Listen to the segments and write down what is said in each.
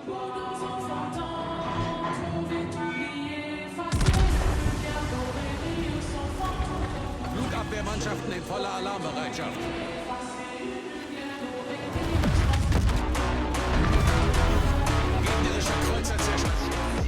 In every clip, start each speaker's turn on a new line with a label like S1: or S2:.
S1: Flugabwehrmannschaften in voller Alarmbereitschaft. Gegnerischer Kreuzer zerstört.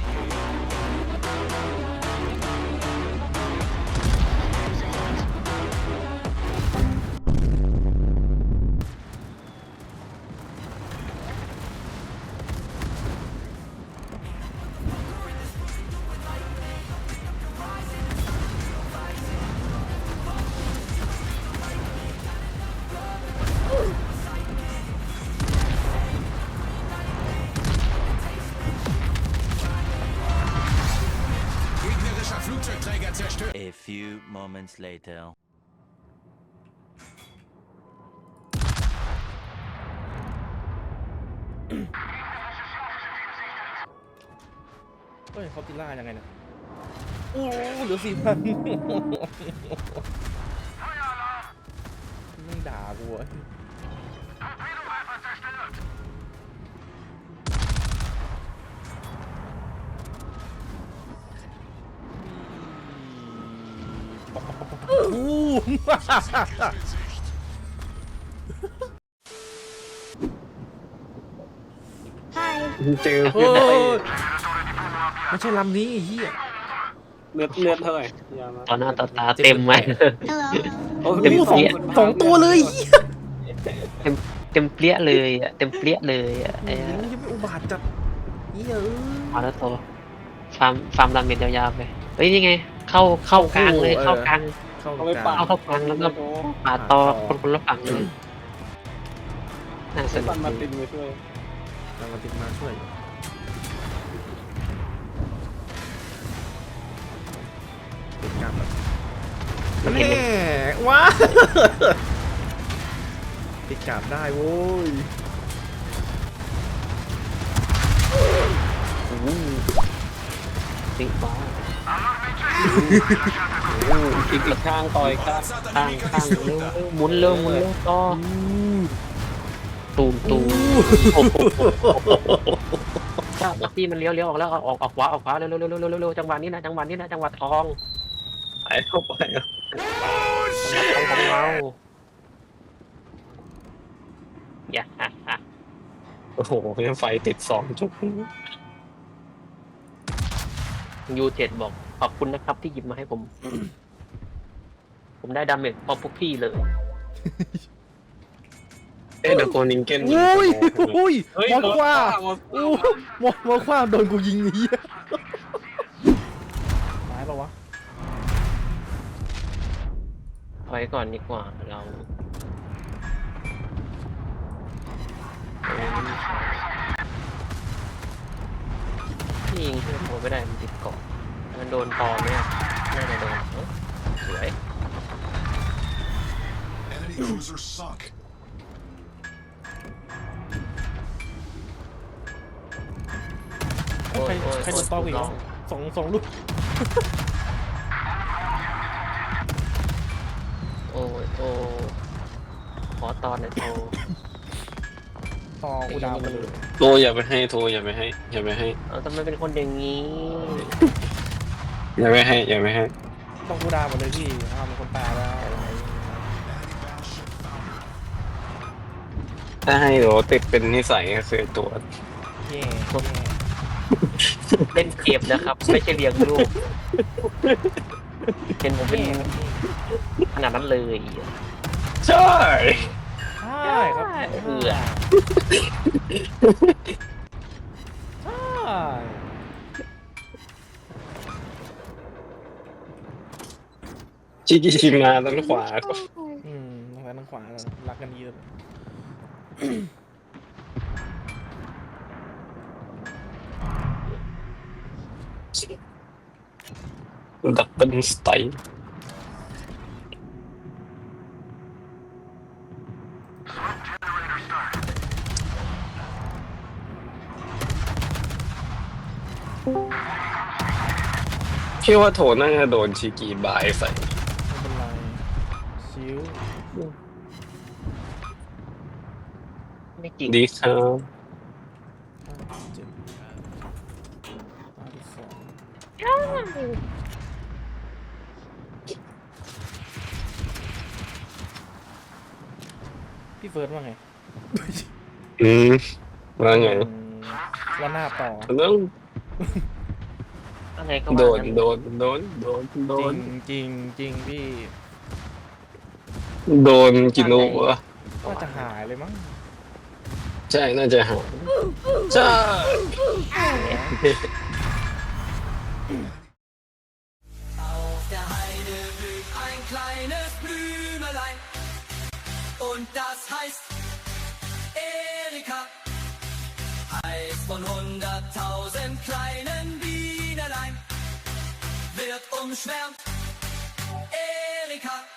S1: Flugzeugträger zerstört.
S2: A few moments later.
S3: เฮ้ยเขาติล่ายังไงเนี่ยโอ้เหลือ4,000ไม่ด่ากูอ่ะ
S4: เจอ
S3: โอ้
S4: เพื่อนไป
S3: ไม่ใช่ลำนี้ไอ้เหี้ย
S4: เลือดเท่าไหร่ยามา
S5: ตอนหน้าต่อตาเต็มไหม
S4: โอ้
S5: เต็ม
S3: สอง
S5: เปี้ย
S3: สองตัวเลยเหี้ย
S5: เต็มเปี้ยเลยอ่ะเต็มเปี้ยเลยอ่ะไอ้
S3: ยังไม่อุบาทจัดเหี้ย
S5: มาแล้วโตฟาร์มดาเมจยาวๆไปเฮ้ยนี่ไงเข้ากลางเลยเข้ากลาง
S3: เข้า
S4: เอาไป
S3: ก
S4: ปา
S3: ลาง
S5: เข้ากลางแล้วก็ปาดต่อคนละฝั่งเลยน่าสนุ
S4: ปั
S5: ก
S4: นมา
S5: ดี
S4: ตินไปช่วย
S3: กำลังติดมาช่วยติดกลับแน่ว้าติดกลับได้โว้ย
S5: จริงบ้า
S4: อีกข้างต่อยข้าง
S5: ข้างเร็วหมุนเร็วต่อตูมถ้าพี่มันเลี้ยวออกแล้วออกขวาเร็วจังหวะนี้นะจังหวะทอง
S4: ไปเข้าไป
S5: ของเราอย่า
S4: โอ้โหไฟติด2 จุด
S5: U7 บอกขอบคุณนะครับที่หยิบมาให้ผม ผมได้ดาเมจพอพวกพี่เลย
S4: เอ๊ะเดี๋ยวโกนิงเก้น
S3: โอ้ยโอ้ย
S4: เฮ้ย
S3: มองกว่า
S4: หมด
S3: โอ้มองกว่าโดนกูยิงไอ้เหี้ยตายปะวะ
S5: ไว้ก่อนดีกว่าเราพี่ยิงที่ผมไม่ได้มันติดเกาะมันโดนปอมเนี่ยน่าจะโดนสวย
S1: Enemy cruiser sunk.
S5: โอ้ย
S3: ใครโดนตอกอีกแล้วสองลูก
S5: โอ้ขอตอนหน่อยโทร
S3: ตอกูดาวไปเลย
S4: โทรอย่าไปให้โทรอย่าไปให้
S5: ทำไมเป็นคนอย่างนี้
S4: อย่าไปให้
S3: ต้องกูดาวไปเลยพี่มีคนตายแล้วอะไร
S4: ถ้าให้เดี๋ยวติดเป็นนิสัยก็คือตัว
S3: แย่
S5: เล่นเกมนะครับ ไม่ใช่เลี้ยงลูกเห็นผมเป็นขนาดนั้นเลย
S4: ใช่
S3: ใช่ครับ
S5: เอือ
S3: ใช่
S4: ชิมาด้านขวา
S3: ทางซ้ายทางขวารักกันดีเลย
S4: ดับเบิลสไตล์พี่ว่าโถน่าจะโดนชิกีบายใส่
S3: ไม่เป็นไรชิว
S5: ไม่จริง
S4: ดีครับ
S3: เจ็บพี่เฟิร์สว่าไง
S4: อืมว่าไง
S3: ว่าหน้าต่อ
S4: ต้อง
S5: อะไรก็
S4: โด
S5: ว่าน กัน
S4: โดนโดนโดนโด
S3: จริ
S4: น
S3: งจริงจริงพี่
S4: โดนกินโอวะ
S3: ว่าจะหายเลยมั้ง
S4: ใช่น่าจะหาใช่
S6: Auf der Heide blüht ein kleines Blümelein und das heißt Erika. Eins von 100.000 kleinen Bienelein wird umschwärmt. Erika.